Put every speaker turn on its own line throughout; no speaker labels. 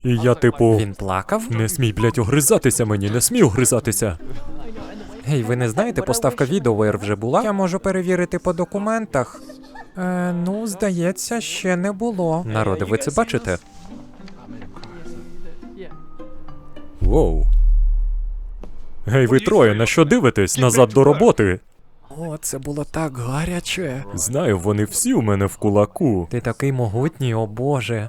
І я типу,
Він плакав?
не смій, блядь, огризатися мені, не смій огризатися.
Гей, ви не знаєте, поставка відео вже була? Я можу перевірити по документах. Ну, здається, ще не було. Народи, ви це бачите?
Воу. Гей, ви троє, на що дивитесь? Назад до роботи.
О, це було так гаряче.
Знаю, вони всі у мене в кулаку.
Ти такий могутній, о боже.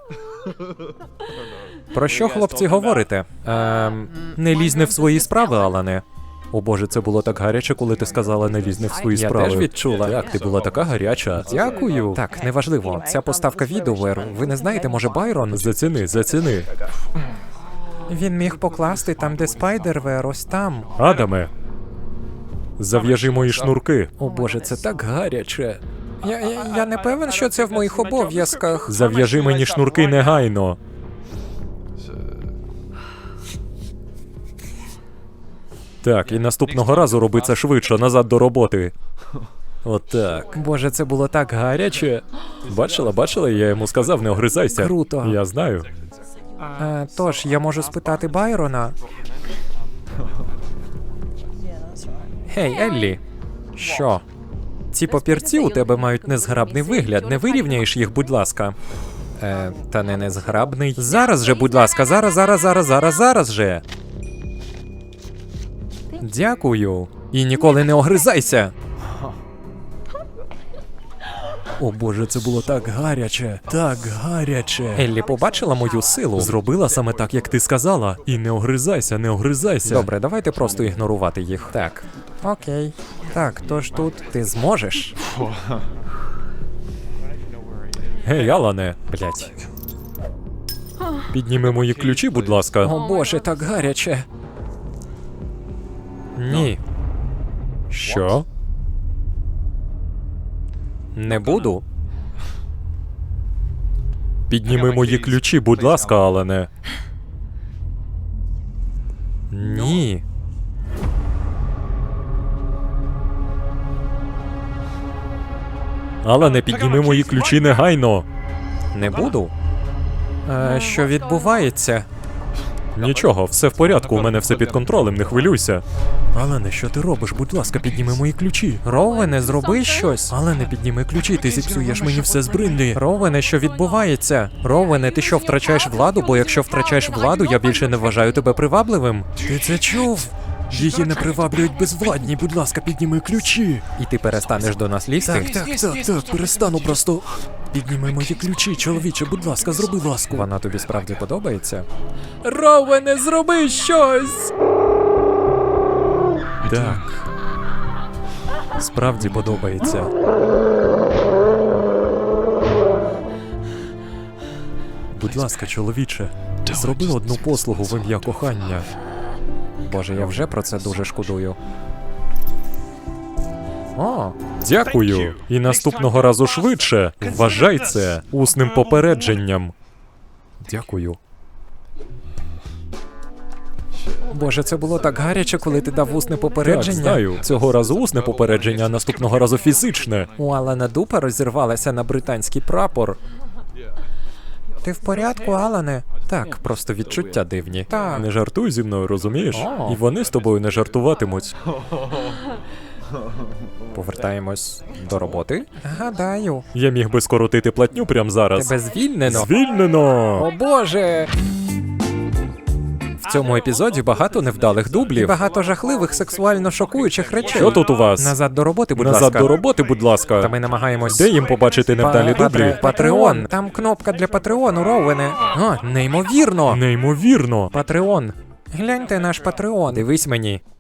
Про що, хлопці, говорите? Не лізь не в свої справи, Алане.
О боже, це було так гаряче, коли ти сказала не лізь не в свої
Я
справи.
теж відчула.
Так, ти була така гаряча.
Дякую. Так, неважливо. Ця поставка відео, ви не знаєте, може Байрон?
Заціни, заціни.
Він міг покласти там, де Спайдервер, ось там.
Адаме, зав'яжи мої шнурки.
О боже, це так гаряче. Я не певен, що це в моїх обов'язках.
Зав'яжи мені шнурки негайно. Так, і наступного разу роби це швидше, назад до роботи. Отак.
Боже, це було так гаряче.
Бачила, я йому сказав, не огризайся.
Круто.
Я знаю.
Тож, я можу спитати Байрона. Гей, Еллі. Що? Ці папірці у тебе мають незграбний вигляд. Не вирівняєш їх, будь ласка. Та не незграбний. Зараз же, будь ласка, зараз же. Дякую. І ніколи не огризайся.
О боже, це було так гаряче. Так гаряче.
Еллі побачила мою силу.
Зробила саме так, як ти сказала. І не огризайся, не огризайся.
Добре, давайте просто ігнорувати їх. Так. Окей. Так, тож тут ти зможеш.
Гей, Алане,
Блять.
підніми мої ключі, будь ласка.
О боже, так гаряче. Ні.
Що?
Не буду.
Підніми мої ключі, будь ласка, Алане.
Ні.
Алане, підніми мої ключі негайно.
Не буду. Що відбувається?
Нічого, все в порядку, у мене все під контролем, не хвилюйся. Алане, що ти робиш? Будь ласка, підніми мої ключі.
Ровене, зроби щось.
Алане, підніми ключі, ти зіпсуєш мені все з бринди.
Ровене, що відбувається? Ровене, ти що, втрачаєш владу? Бо якщо втрачаєш владу, я більше не вважаю тебе привабливим.
Ти це чув? Її не приваблюють безвладні, будь ласка, підніми ключі.
І ти перестанеш до нас лізти?
Так, перестану просто. Підніми мої ключі, чоловіче, будь ласка, зроби ласку.
Вона тобі справді подобається?
Ровене, зроби щось! Так. Справді подобається. Будь ласка, чоловіче, зроби одну послугу в ім'я кохання.
Боже, я вже про це дуже шкодую. О,
Дякую. І наступного разу швидше. Вважай це усним попередженням. Дякую.
Боже, це було так гаряче, коли ти дав усне попередження.
Так, знаю. Цього разу усне попередження, а наступного разу фізичне.
У Алана дупа розірвалася на британський прапор. Ти в порядку, Алане? Так, просто відчуття дивні. Так.
Не жартуй зі мною, розумієш?
О.
І вони з тобою не жартуватимуть.
Повертаємось до роботи. Гадаю.
Я міг би скоротити платню прямо зараз.
Тебе звільнено.
Звільнено!
О боже! В цьому епізоді багато невдалих дублів. І багато жахливих сексуально шокуючих речей.
Що тут у вас?
Назад до роботи, будь
Назад
ласка.
до роботи, будь
Та
ласка.
ми намагаємось...
Де їм побачити невдалі дублі?
Патреон. Там кнопка для Патреону, Роуене. А, неймовірно.
Неймовірно.
Патреон. Гляньте наш Патреон. Дивись мені.